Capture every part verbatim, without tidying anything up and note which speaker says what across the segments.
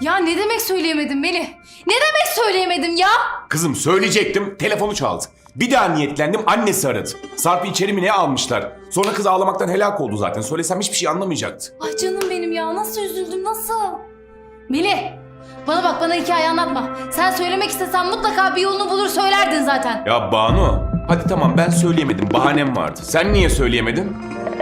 Speaker 1: Ya ne demek söyleyemedim Melih? Ne demek söyleyemedim ya?
Speaker 2: Kızım söyleyecektim, telefonu çaldı. Bir daha niyetlendim, annesi aradı. Sarp'ı içeri mi ne almışlar? Sonra kız ağlamaktan helak oldu zaten. Söylesem hiçbir şey anlamayacaktı.
Speaker 1: Ay canım benim ya, nasıl üzüldüm, nasıl? Melih, bana bak, bana hikaye anlatma. Sen söylemek istesen mutlaka bir yolunu bulur söylerdin zaten.
Speaker 2: Ya Banu, hadi tamam ben söyleyemedim, bahanem vardı. Sen niye söyleyemedin?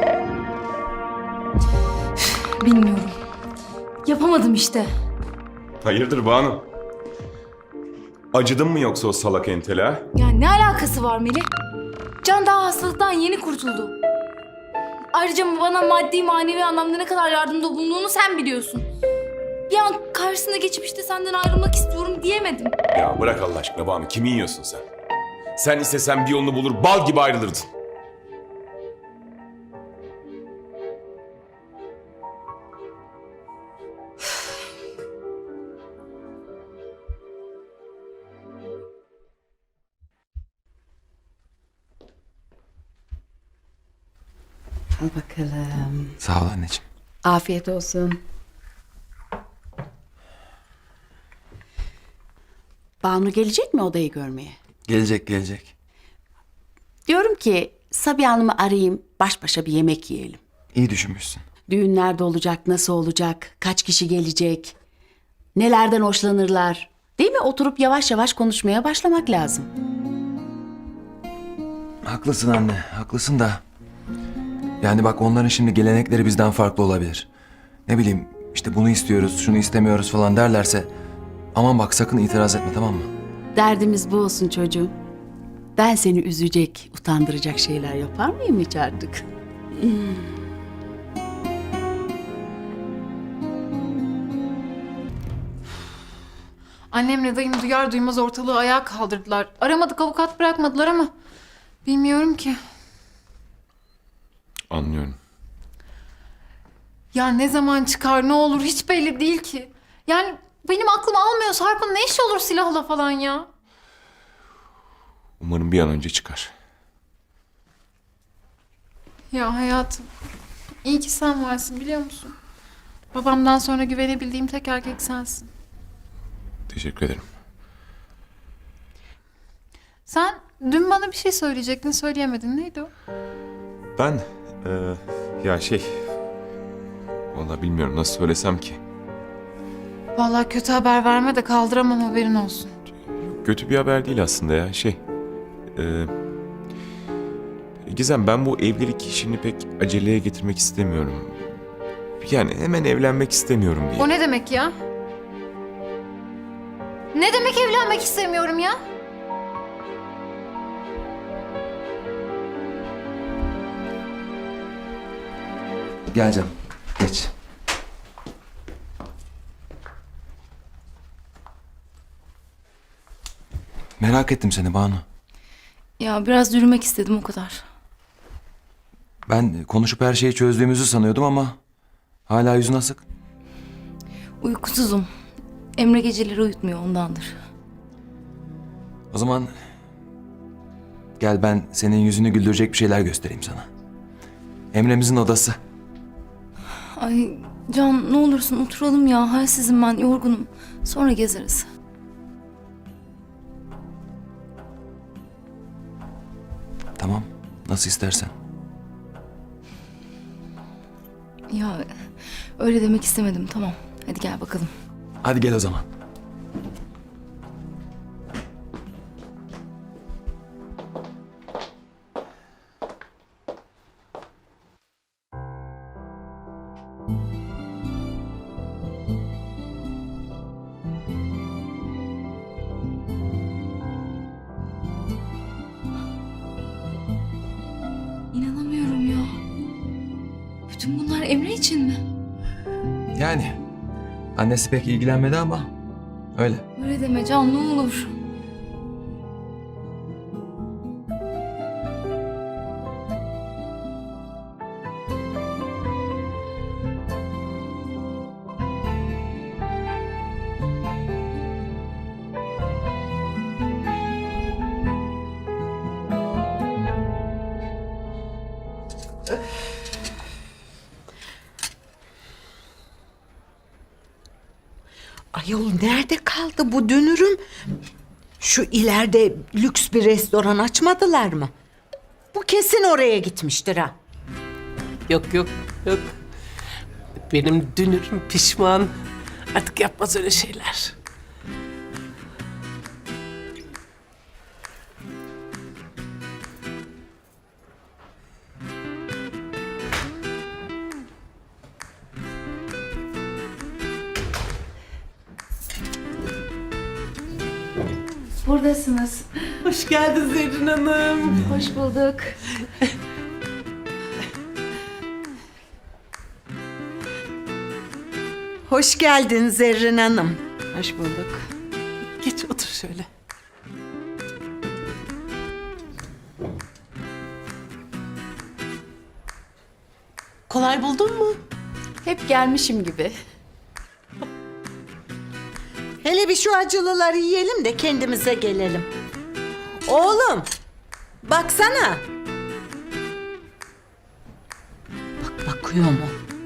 Speaker 1: Bilmiyorum. Yapamadım işte.
Speaker 2: Hayırdır Banu? Acıdın mı yoksa o salak entele ha?
Speaker 1: Ya ne alakası var Melih? Can daha hastalıktan yeni kurtuldu. Ayrıca bana maddi manevi anlamda ne kadar yardımda bulunduğunu sen biliyorsun. Bir an karşısına geçip işte senden ayrılmak istiyorum diyemedim.
Speaker 2: Ya bırak Allah aşkına Banu, kimi yiyorsun sen? Sen istesen bir yolunu bulur, bal gibi ayrılırdın.
Speaker 3: Al bakalım.
Speaker 4: Sağ ol anneciğim.
Speaker 3: Afiyet olsun. Banu gelecek mi odayı görmeye?
Speaker 4: Gelecek gelecek.
Speaker 3: Diyorum ki Sabiha Hanım'ı arayayım, baş başa bir yemek yiyelim.
Speaker 4: İyi düşünmüşsün.
Speaker 3: Düğün nerede olacak, nasıl olacak, kaç kişi gelecek, nelerden hoşlanırlar. Değil mi? Oturup yavaş yavaş konuşmaya başlamak lazım.
Speaker 4: Haklısın anne, haklısın da. Yani bak onların şimdi gelenekleri bizden farklı olabilir. Ne bileyim işte bunu istiyoruz, şunu istemiyoruz falan derlerse... Aman bak sakın itiraz etme, tamam mı?
Speaker 3: Derdimiz bu olsun çocuğum. Ben seni üzecek, utandıracak şeyler yapar mıyım hiç artık?
Speaker 5: Annemle dayım duyar duymaz ortalığı ayağa kaldırdılar. Aramadık, avukat bırakmadılar ama bilmiyorum ki.
Speaker 2: Anlıyorum.
Speaker 5: Ya ne zaman çıkar, ne olur hiç belli değil ki. Yani benim aklım almıyor. Sarp'ın ne işi olur silahla falan ya?
Speaker 2: Umarım bir an önce çıkar.
Speaker 5: Ya hayatım, iyi ki sen varsın biliyor musun? Babamdan sonra güvenebildiğim tek erkek sensin.
Speaker 2: Teşekkür ederim.
Speaker 5: Sen dün bana bir şey söyleyecektin, söyleyemedin. Neydi o?
Speaker 2: Ben, eee, ya şey... Vallahi bilmiyorum nasıl söylesem ki.
Speaker 5: Vallahi kötü haber verme de kaldıramam, haberin olsun.
Speaker 2: Kötü bir haber değil aslında ya, şey... eee, Gizem, ben bu evlilik işini pek aceleye getirmek istemiyorum. Yani hemen evlenmek istemiyorum diye.
Speaker 5: O ne demek ya? Ne demek evlenmek istemiyorum ya?
Speaker 4: Gel canım, geç. Merak ettim seni Banu.
Speaker 1: Ya biraz yürümek istedim, o kadar.
Speaker 4: Ben konuşup her şeyi çözdüğümüzü sanıyordum ama... Hala yüzün asık.
Speaker 1: Uykusuzum. Emre geceleri uyutmuyor, ondandır.
Speaker 4: O zaman... Gel ben senin yüzünü güldürecek bir şeyler göstereyim sana. Emre'mizin odası.
Speaker 1: Ay Can, ne olursun oturalım ya. Halsizim ben, yorgunum. Sonra gezeriz.
Speaker 4: Tamam, nasıl istersen.
Speaker 1: Ya öyle demek istemedim, tamam. Hadi gel bakalım.
Speaker 4: Hadi gel o zaman.
Speaker 1: İnanamıyorum ya. Bütün bunlar Emre için mi?
Speaker 4: Yani annesi pek ilgilenmedi ama öyle.
Speaker 1: Öyle deme Can, ne olur.
Speaker 6: Ayol nerede kaldı bu dünürüm? Şu ileride lüks bir restoran açmadılar mı? Bu kesin oraya gitmiştir ha.
Speaker 7: Yok yok yok. Benim dünürüm pişman. Artık yapmaz öyle şeyler.
Speaker 1: Buradasınız.
Speaker 7: Hoş geldin Zerrin Hanım.
Speaker 1: Hoş bulduk.
Speaker 6: Hoş geldin Zerrin Hanım.
Speaker 7: Hoş bulduk. Geç otur şöyle. Kolay buldun mu?
Speaker 3: Hep gelmişim gibi.
Speaker 6: Hele bir şu acılıları yiyelim de kendimize gelelim. Oğlum, baksana. Bak bakıyor mu?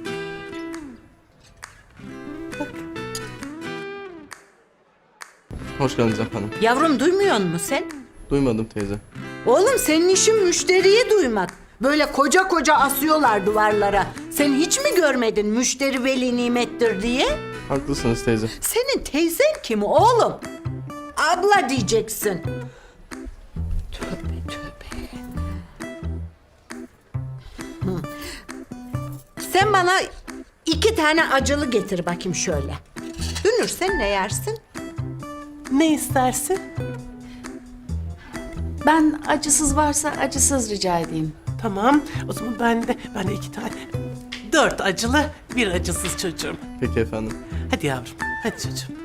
Speaker 8: Hoş geldiniz efendim.
Speaker 6: Yavrum duymuyor musun sen?
Speaker 8: Duymadım teyze.
Speaker 6: Oğlum senin işin müşteriyi duymak. Böyle koca koca asıyorlar duvarlara. Sen hiç mi görmedin müşteri veli nimettir diye?
Speaker 8: Haklısınız teyze.
Speaker 6: Senin teyzen kim oğlum? Abla diyeceksin. Tövbe tövbe. Hı. Sen bana iki tane acılı getir bakayım şöyle. Dünür sen ne yersin?
Speaker 7: Ne istersin?
Speaker 3: Ben acısız varsa acısız rica edeyim.
Speaker 7: Tamam. O zaman ben de ben de iki tane. Dört acılı, bir acısız çocuğum.
Speaker 8: Peki efendim.
Speaker 7: Hadi yavrum. Hadi çocuğum.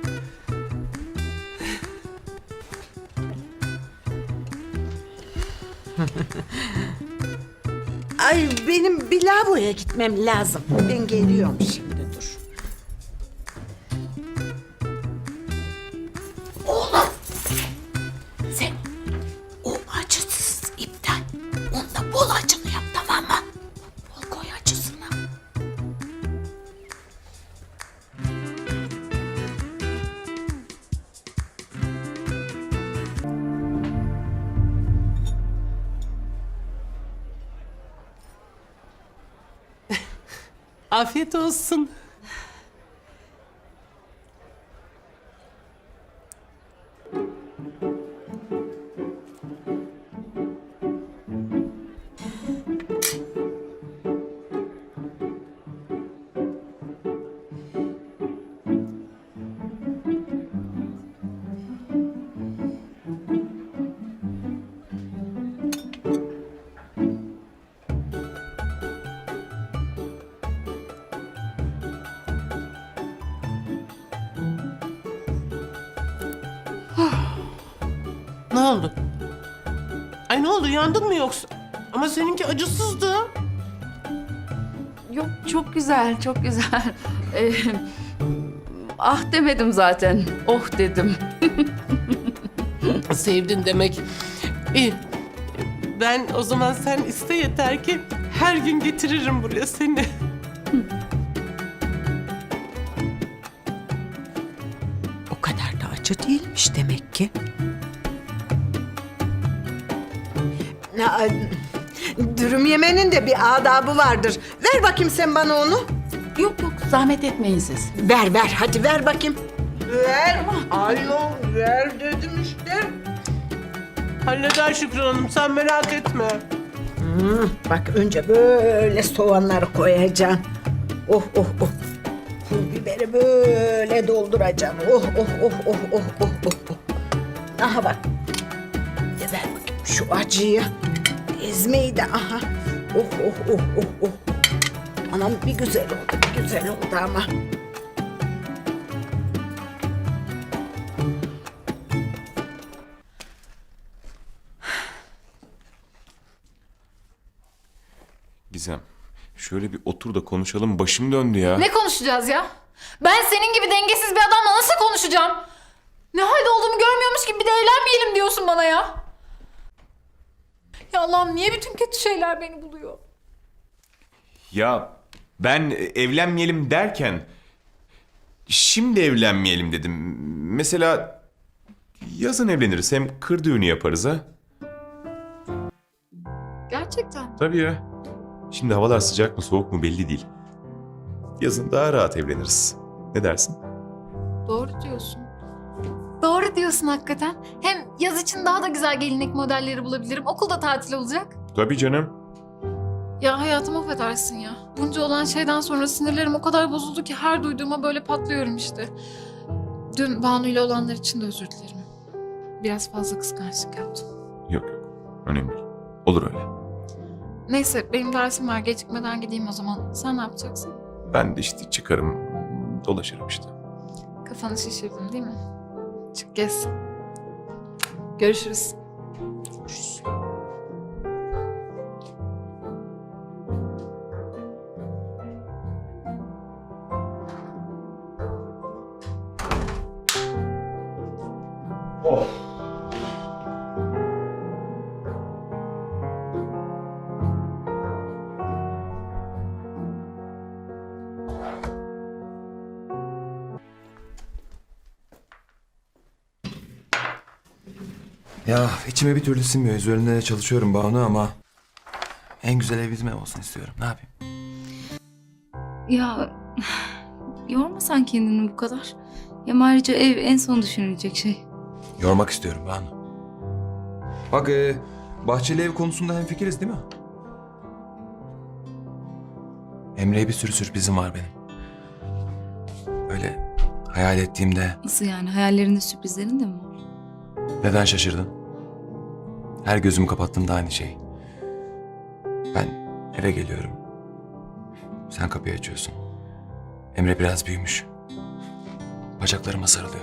Speaker 6: Ay benim bir lavaboya gitmem lazım. Ben geliyorum şimdi dur. Oğlum. Sen o acısız iptal. Onda bol acılı yap tamam mı? Bol koy acısını.
Speaker 7: Afiyet olsun. Ne oldu? Ay ne oldu? Yandın mı yoksa? Ama seninki acısızdı.
Speaker 3: Yok çok güzel, çok güzel. Ee, ah demedim zaten. Oh dedim.
Speaker 7: Sevdin demek. İyi. Ben o zaman sen iste yeter ki her gün getiririm buraya seni.
Speaker 6: O kadar da acı değilmiş demek ki. Ya, dürüm yemenin de bir adabı vardır. Ver bakayım sen bana onu.
Speaker 3: Yok yok zahmet etmeyin siz.
Speaker 6: Ver ver hadi ver bakayım. Ver. Alo ver dedim işte.
Speaker 7: Halleder Şükran Hanım, sen merak etme.
Speaker 6: Hmm, bak önce böyle soğanları koyacaksın. Oh oh oh. Pul biberi böyle dolduracaksın. Oh oh oh oh oh oh oh. oh. Aha bak. Ya ver bakayım şu acıyı. Ezmeyi de aha. Oh oh oh oh oh. Anam bir güzel oldu, bir güzel oldu ama.
Speaker 2: Gizem, şöyle bir otur da konuşalım. Başım döndü ya.
Speaker 1: Ne konuşacağız ya? Ben senin gibi dengesiz bir adamla nasıl konuşacağım? Ne halde olduğumu görmüyormuş gibi bir de evlenmeyelim diyorsun bana ya. Ya Allah'ım niye bütün kötü şeyler beni buluyor?
Speaker 2: Ya ben evlenmeyelim derken... şimdi evlenmeyelim dedim. Mesela yazın evleniriz. Hem kır düğünü yaparız ha.
Speaker 5: Gerçekten.
Speaker 2: Tabii ya. Şimdi havalar sıcak mı soğuk mu belli değil. Yazın daha rahat evleniriz. Ne dersin?
Speaker 5: Doğru diyorsun. Doğru diyorsun hakikaten. Hem yaz için daha da güzel gelinlik modelleri bulabilirim. Okulda tatil olacak.
Speaker 2: Tabii canım.
Speaker 5: Ya hayatım affedersin ya. Bunca olan şeyden sonra sinirlerim o kadar bozuldu ki her duyduğuma böyle patlıyorum işte. Dün Banu ile olanlar için de özür dilerim. Biraz fazla kıskançlık yaptım.
Speaker 2: Yok yok. Önemli değil. Olur öyle.
Speaker 5: Neyse benim dersim var. Gecikmeden gideyim o zaman. Sen ne yapacaksın?
Speaker 2: Ben de işte çıkarım, dolaşırım işte.
Speaker 5: Kafanı şişirdin değil mi? Çık gez. Görüşürüz.
Speaker 2: Görüşürüz.
Speaker 4: Ya içime bir türlü sinmiyor. Üzerinde de çalışıyorum Banu ama en güzel ev bizim ev olsun istiyorum. Ne yapayım?
Speaker 1: Ya yorma sen kendini bu kadar. Ya ayrıca ev en son düşünülecek şey.
Speaker 4: Yormak istiyorum Banu. Bak e, bahçeli ev konusunda hemfikiriz değil mi? Emre'ye bir sürü sürprizim var benim. Öyle hayal ettiğimde
Speaker 1: Nasıl yani, hayallerinde sürprizlerin de mi var?
Speaker 4: neden şaşırdın? Her gözümü kapattığımda aynı şey. Ben eve geliyorum. Sen kapıyı açıyorsun. Emre biraz büyümüş. Bacaklarıma sarılıyor.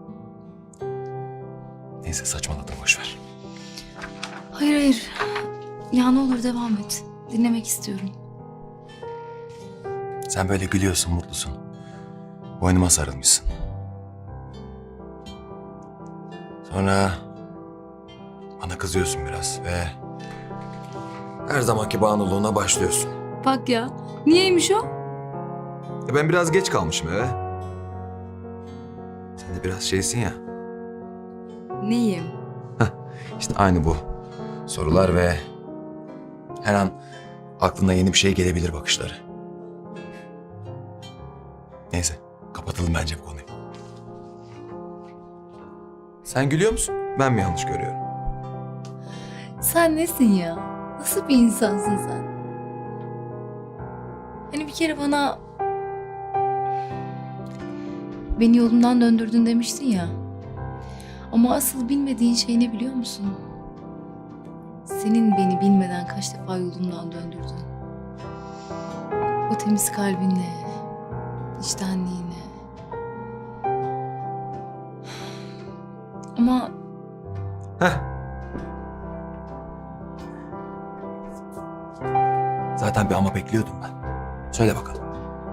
Speaker 4: Neyse saçmaladım, boş ver.
Speaker 1: Hayır hayır. Ya ne olur devam et. Dinlemek istiyorum.
Speaker 4: Sen böyle gülüyorsun, mutlusun. Boynuma sarılmışsın. Sonra bana kızıyorsun biraz ve her zamanki bağımlılığına başlıyorsun.
Speaker 1: Bak ya. Niyeymiş o?
Speaker 4: E ben biraz geç kalmışım eve. Sen de biraz şeysin ya.
Speaker 1: Neyim?
Speaker 4: İşte aynı bu. Sorular ve her an aklına yeni bir şey gelebilir bakışları. Neyse, kapatalım bence bu konuyu. Sen gülüyor musun? Ben mi yanlış görüyorum?
Speaker 1: Sen nesin ya? Nasıl bir insansın sen? Hani bir kere bana beni yolumdan döndürdün demiştin ya. Ama asıl bilmediğin şey ne biliyor musun? Senin beni bilmeden kaç defa yolumdan döndürdün. O temiz kalbinle, içtenliğine. Ama
Speaker 4: Heh. Zaten bir ama bekliyordum ben. Söyle bakalım.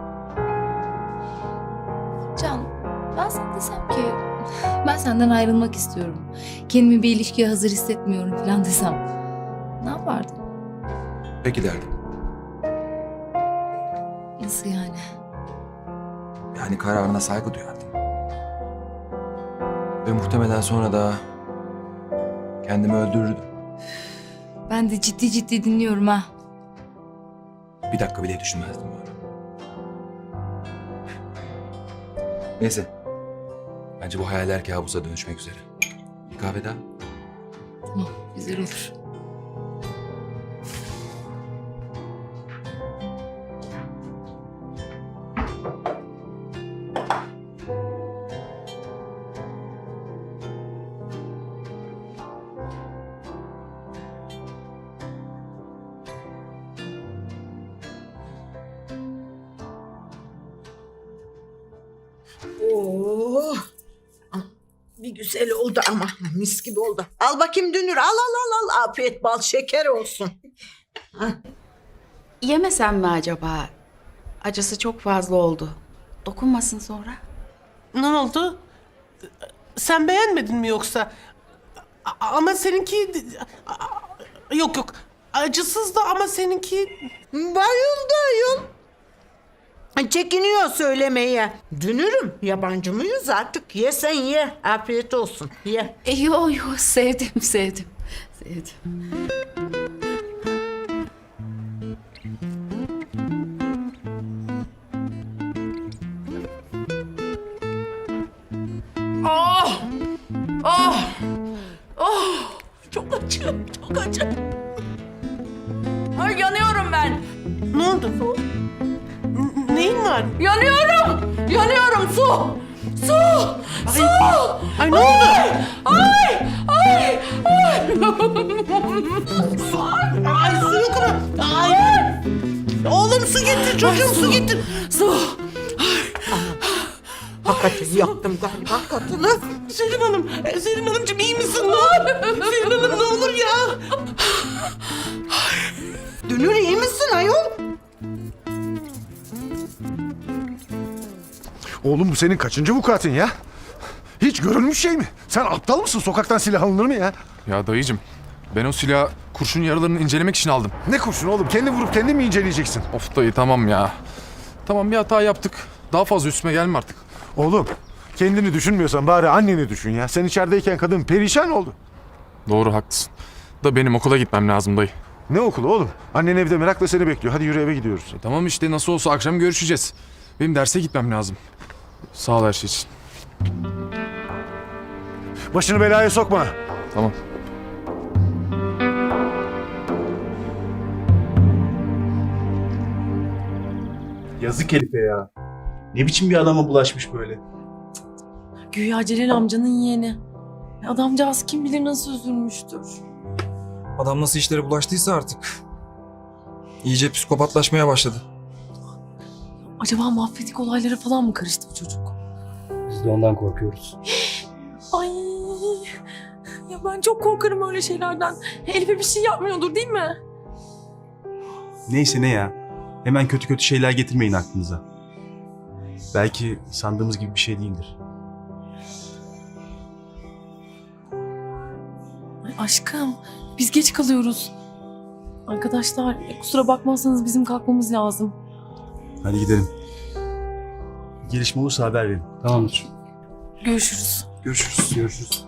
Speaker 1: Can, ben sana desem ki ben senden ayrılmak istiyorum. Kendimi bir ilişkiye hazır hissetmiyorum falan desem. Ne yapardın?
Speaker 4: Peki derdim.
Speaker 1: Nasıl yani?
Speaker 4: Yani kararına saygı duyardım. Ve muhtemelen sonra da kendimi öldürürdüm.
Speaker 1: Ben de ciddi ciddi dinliyorum ha.
Speaker 4: Bir dakika bile düşünmezdim bu arada. Neyse. Bence bu hayaller kabusa dönüşmek üzere. Bir kahve daha.
Speaker 1: Tamam, güzel olur.
Speaker 6: Oh. Bir güzel oldu ama mis gibi oldu. Al bakayım Dünür, al al al al. Afiyet bal şeker olsun.
Speaker 3: Yemesem mi acaba? Acısı çok fazla oldu. Dokunmasın sonra.
Speaker 7: Ne oldu? Sen beğenmedin mi yoksa? A- ama seninki... a- Yok yok. Acısız da ama seninki...
Speaker 6: Bayıldı ayol. Ha, çekiniyor söylemeye. Dünürüm, yabancı mıyız artık? Ye sen ye. Afiyet olsun. Ye.
Speaker 3: E, yo yo sevdim sevdim. Sevdim.
Speaker 7: Çok acı, çok acı.
Speaker 3: Ay yanıyorum ben.
Speaker 7: Ne oldu? Neyin var?
Speaker 3: Yanıyorum. Yanıyorum su. Su. Su.
Speaker 7: Ay ne oldu?
Speaker 3: Ay. Ay.
Speaker 7: Ay su yok ama. Ay. Oğlum su getir çocuğum, su getir.
Speaker 3: Su.
Speaker 6: Hakikaten yaktım galiba kadını.
Speaker 7: Selim Hanım, e, Selim Hanımcığım iyi misin? Ne olur? Selim Hanım ne olur ya.
Speaker 6: Dünür iyi misin ayol?
Speaker 9: Oğlum bu senin kaçıncı vukuatın ya? Hiç görülmüş şey mi? Sen aptal mısın? Sokaktan silah alınır mı ya?
Speaker 10: Ya dayıcım, ben o silahı kurşun yaralarını incelemek için aldım.
Speaker 9: Ne kurşun oğlum? Kendi vurup kendi mi inceleyeceksin?
Speaker 10: Of dayı tamam ya. Tamam bir hata yaptık. Daha fazla üstüme gelme artık.
Speaker 9: Oğlum kendini düşünmüyorsan bari anneni düşün ya. Sen içerideyken kadın perişan oldu.
Speaker 10: Doğru haklısın. Da benim okula gitmem lazım dayı.
Speaker 9: Ne okulu oğlum? Annen evde merakla seni bekliyor. Hadi yürü eve gidiyoruz.
Speaker 10: E, tamam işte nasıl olsa akşam görüşeceğiz. Benim derse gitmem lazım. Sağ ol her şey için.
Speaker 9: Başını belaya sokma.
Speaker 10: Tamam.
Speaker 11: Yazık herife ya. Ne biçim bir adama bulaşmış böyle.
Speaker 7: Güya Celal amcanın yeğeni. Adamcağız kim bilir nasıl üzülmüştür.
Speaker 12: Adam nasıl işlere bulaştıysa artık. İyice psikopatlaşmaya başladı.
Speaker 7: Acaba mafyatik olaylara falan mı karıştı bu çocuk?
Speaker 11: Biz de ondan korkuyoruz.
Speaker 7: Ay, ya ben çok korkarım öyle şeylerden. Elif'e bir şey yapmıyordur değil mi?
Speaker 11: Neyse ne ya. Hemen kötü kötü şeyler getirmeyin aklınıza. Belki sandığımız gibi bir şey değildir.
Speaker 7: Ay aşkım, biz geç kalıyoruz. Arkadaşlar, kusura bakmazsanız bizim kalkmamız lazım.
Speaker 11: Hadi gidelim. Bir gelişme olursa haber verin. Tamamdır.
Speaker 7: Görüşürüz.
Speaker 12: Görüşürüz.
Speaker 11: Görüşürüz.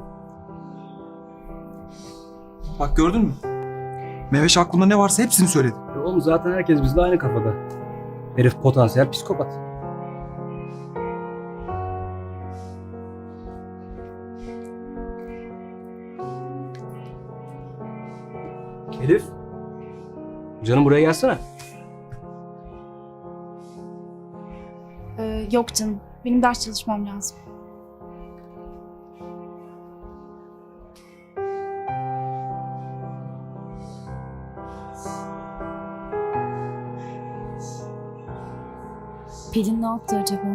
Speaker 12: Bak gördün mü? Meveş aklında ne varsa hepsini söyledi.
Speaker 11: Oğlum zaten herkes bizle aynı kafada. Herif potansiyel psikopat. Elif. Canım buraya gelsene.
Speaker 1: Ee, yok canım. Benim ders çalışmam lazım. Pelin ne yaptı acaba?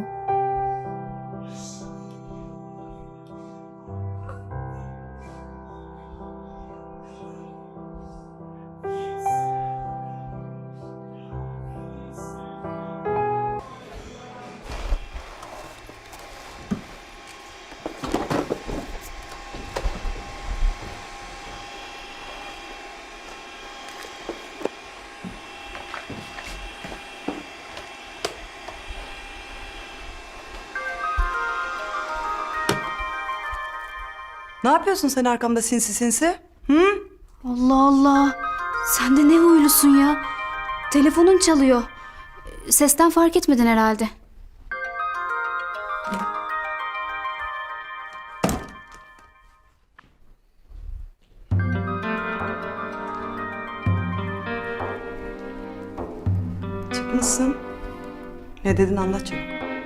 Speaker 13: Ne yapıyorsun sen arkamda sinsi sinsi? Hı?
Speaker 1: Allah Allah. Sen de ne huylusun ya. Telefonun çalıyor. Sesten fark etmedin herhalde.
Speaker 13: Çıkmışsın. Ne dedin anlat çabuk.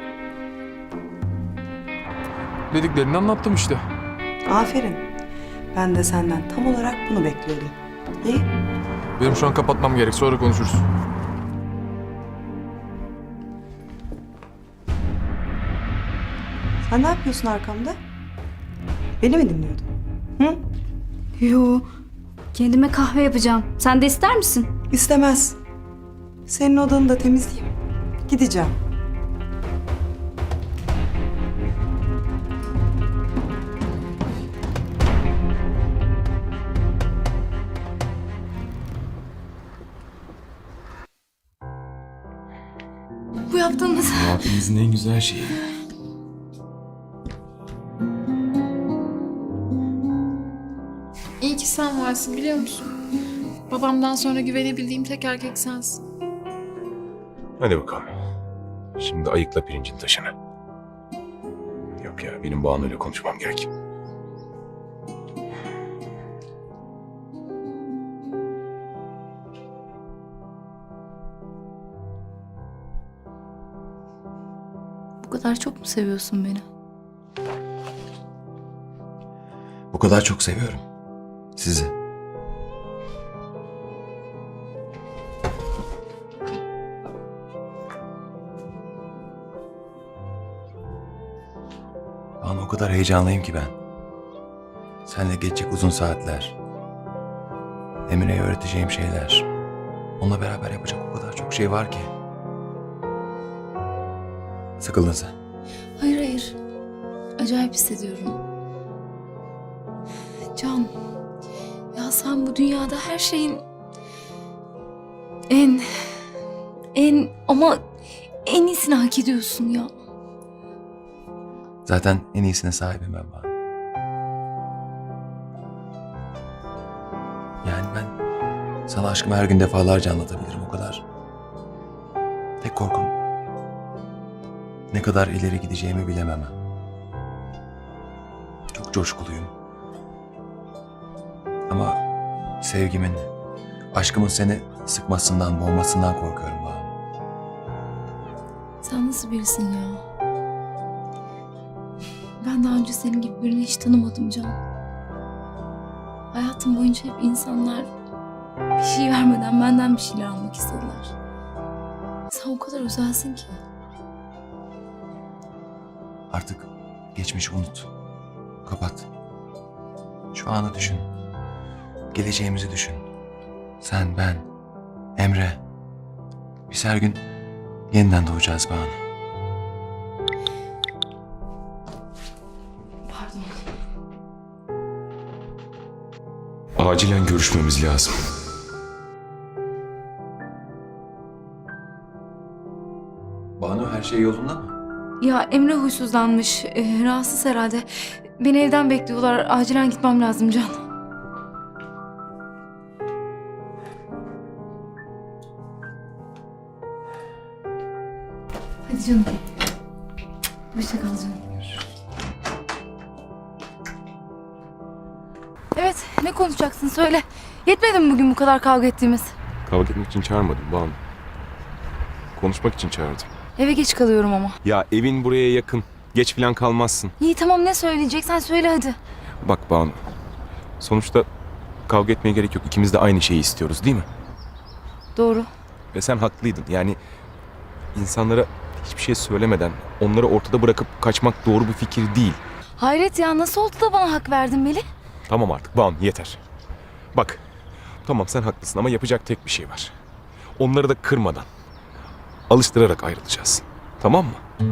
Speaker 10: Dediklerini anlattım işte.
Speaker 13: Aferin. Ben de senden tam olarak bunu bekliyordum. İyi.
Speaker 10: Benim şu an kapatmam gerek. Sonra konuşuruz.
Speaker 13: Sen ne yapıyorsun arkamda? Beni mi dinliyordun? Hı?
Speaker 1: Yo. Kendime kahve yapacağım. Sen de ister misin?
Speaker 13: İstemez. Senin odanı da temizleyeyim. Gideceğim.
Speaker 5: Bu yaptığın
Speaker 2: Evimizin en güzel şeyi.
Speaker 5: İyi ki sen varsın biliyor musun? Babamdan sonra güvenebildiğim tek erkek sensin.
Speaker 2: Hadi bakalım. Şimdi ayıkla pirincin taşını. Yok ya, benim Banu'yla konuşmam gerek.
Speaker 1: Bu kadar çok mu seviyorsun beni?
Speaker 4: Bu kadar çok seviyorum. Sizi. Banu, o kadar heyecanlıyım ki ben. Seninle geçecek uzun saatler. Emine'ye öğreteceğim şeyler. Onunla beraber yapacak o kadar çok şey var ki. Sıkıldın sen.
Speaker 1: Hayır hayır. Acayip hissediyorum. Can. Ya sen bu dünyada her şeyin en en ama en iyisini hak ediyorsun ya.
Speaker 4: Zaten en iyisine sahibim ben Banu. Yani ben sana aşkımı her gün defalarca anlatabilirim o kadar. Tek korkum ne kadar ileri gideceğimi bilemem. Çok coşkuluyum. Ama sevgimin, aşkımın seni sıkmasından, boğmasından korkuyorum Banu.
Speaker 1: Sen nasıl birisin ya? Ben daha önce senin gibi birini hiç tanımadım Can. Hayatım boyunca hep insanlar bir şey vermeden benden bir şeyler almak istediler. Sen o kadar özelsin ki.
Speaker 4: Artık geçmişi unut. Kapat. Şu anı düşün. Geleceğimizi düşün. Sen, ben, Emre. Biz her gün yeniden doğacağız Banu.
Speaker 1: Pardon.
Speaker 2: Acilen görüşmemiz lazım.
Speaker 4: Banu, her şey yolunda mı?
Speaker 1: Ya Emre huysuzlanmış. Ee, rahatsız herhalde. Beni evden bekliyorlar. Acilen gitmem lazım Can. Hadi canım. Hoşça kal canım. Evet, ne konuşacaksın söyle. Yetmedi mi bugün bu kadar kavga ettiğimiz?
Speaker 2: Kavga etmek için çağırmadım Banu. Konuşmak için çağırdım.
Speaker 1: Eve geç kalıyorum ama.
Speaker 2: Ya evin buraya yakın. Geç falan kalmazsın.
Speaker 1: İyi tamam, ne söyleyeceksen söyle hadi.
Speaker 2: Bak Banu. Sonuçta kavga etmeye gerek yok. İkimiz de aynı şeyi istiyoruz değil mi?
Speaker 1: Doğru.
Speaker 2: Ve sen haklıydın. Yani insanlara hiçbir şey söylemeden onları ortada bırakıp kaçmak doğru bir fikir değil.
Speaker 1: Hayret ya, nasıl oldu da bana hak verdin Melih?
Speaker 2: Tamam artık Banu, yeter. Bak, tamam sen haklısın ama yapacak tek bir şey var. Onları da kırmadan, alıştırarak ayrılacağız. Tamam mı?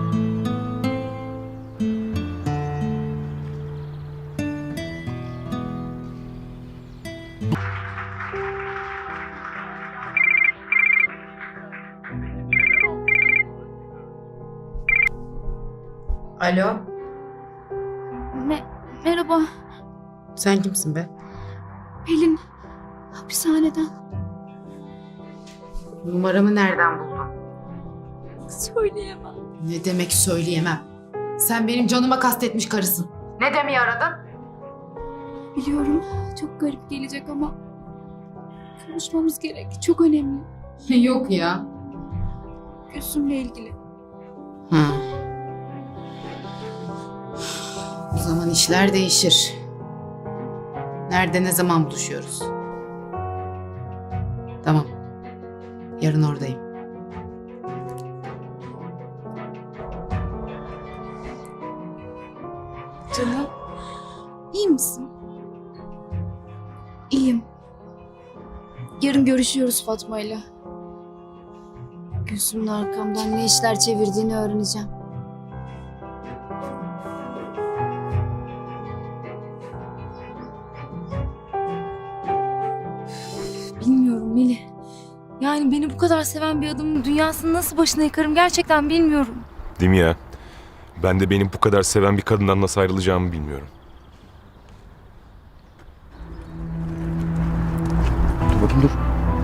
Speaker 3: Alo,
Speaker 1: Me merhaba,
Speaker 3: sen kimsin be?
Speaker 1: Pelin. Hapishaneden.
Speaker 3: Numaramı nereden buldun?
Speaker 1: Söyleyemem.
Speaker 3: Ne demek söyleyemem? Sen benim canıma kastetmiş karısın. Ne demeyi aradın?
Speaker 1: Biliyorum, çok garip gelecek ama konuşmamız gerek. Çok önemli.
Speaker 3: Yok ya.
Speaker 1: Gülsüm'le ilgili.
Speaker 3: Hı. O zaman işler değişir. Nerede, ne zaman buluşuyoruz? Tamam. Yarın oradayım.
Speaker 1: Canım, iyi misin? İyiyim. Yarın görüşüyoruz Fatma'yla. Gülsüm'ün arkamdan ne işler çevirdiğini öğreneceğim. Bilmiyorum Melih. Yani Yani beni bu kadar seven bir adamın dünyasını nasıl başına yıkarım gerçekten bilmiyorum.
Speaker 2: Değil mi ya? Ben de benim bu kadar seven bir kadından nasıl ayrılacağımı bilmiyorum.
Speaker 9: Dur bakayım dur.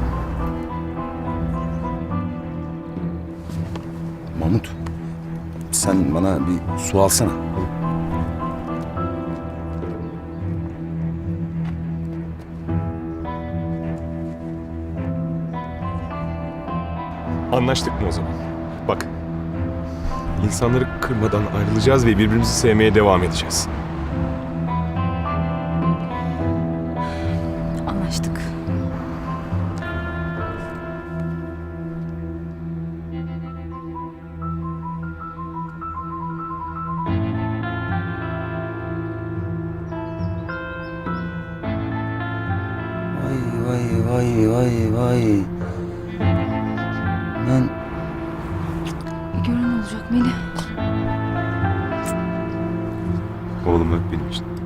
Speaker 9: Mahmut. Sen bana bir su alsana.
Speaker 2: Anlaştık mı o zaman? Bak. İnsanları kırmadan ayrılacağız ve birbirimizi sevmeye devam edeceğiz.
Speaker 1: Anlaştık.
Speaker 12: Vay vay vay vay vay. Ben
Speaker 1: Bir gören olacak Melih.
Speaker 2: Oğlum öp benim için.